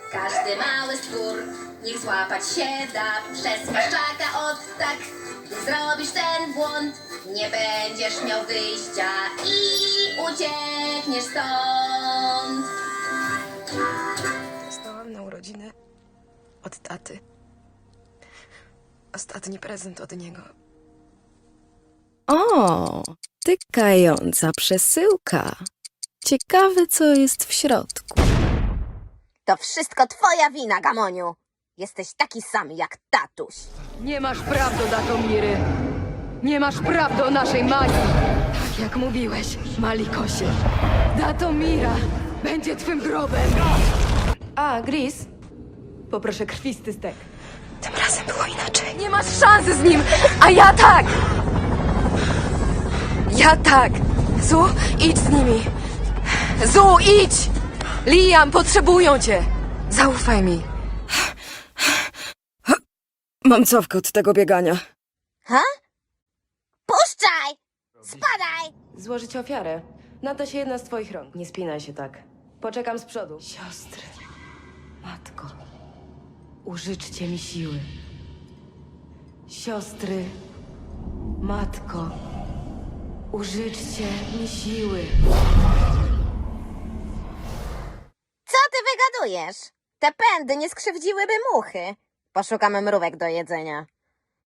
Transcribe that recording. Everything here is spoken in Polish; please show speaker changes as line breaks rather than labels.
Każdy mały stwór niech złapać się da przez paszczaka od tak. Gdy zrobisz ten błąd, nie będziesz miał wyjścia i uciekniesz stąd.
Dostałam na urodziny od taty. Ostatni prezent od niego.
O, tykająca przesyłka. Ciekawe, co jest w środku.
To wszystko twoja wina, Gamoniu. Jesteś taki sam jak tatuś.
Nie masz praw do Datomiry. Nie masz praw do naszej magii. Tak jak mówiłeś, Malikosie. Datomira będzie twym grobem. A, Gris, poproszę krwisty stek.
Tym razem było inaczej.
Nie masz szansy z nim, a ja tak! Ja tak! Zu, idź z nimi! Zu, idź! Liam, potrzebują cię! Zaufaj mi.
Mam cofkę od tego biegania.
Ha? Puszczaj! Spadaj!
Złożyć ofiarę. Nada się jedna z twoich rąk. Nie spinaj się tak. Poczekam z przodu. Siostry. Matko. Użyczcie mi siły. Siostry. Matko. Użyczcie mi siły.
Co ty wygadujesz? Te pędy nie skrzywdziłyby muchy. Poszukamy mrówek do jedzenia.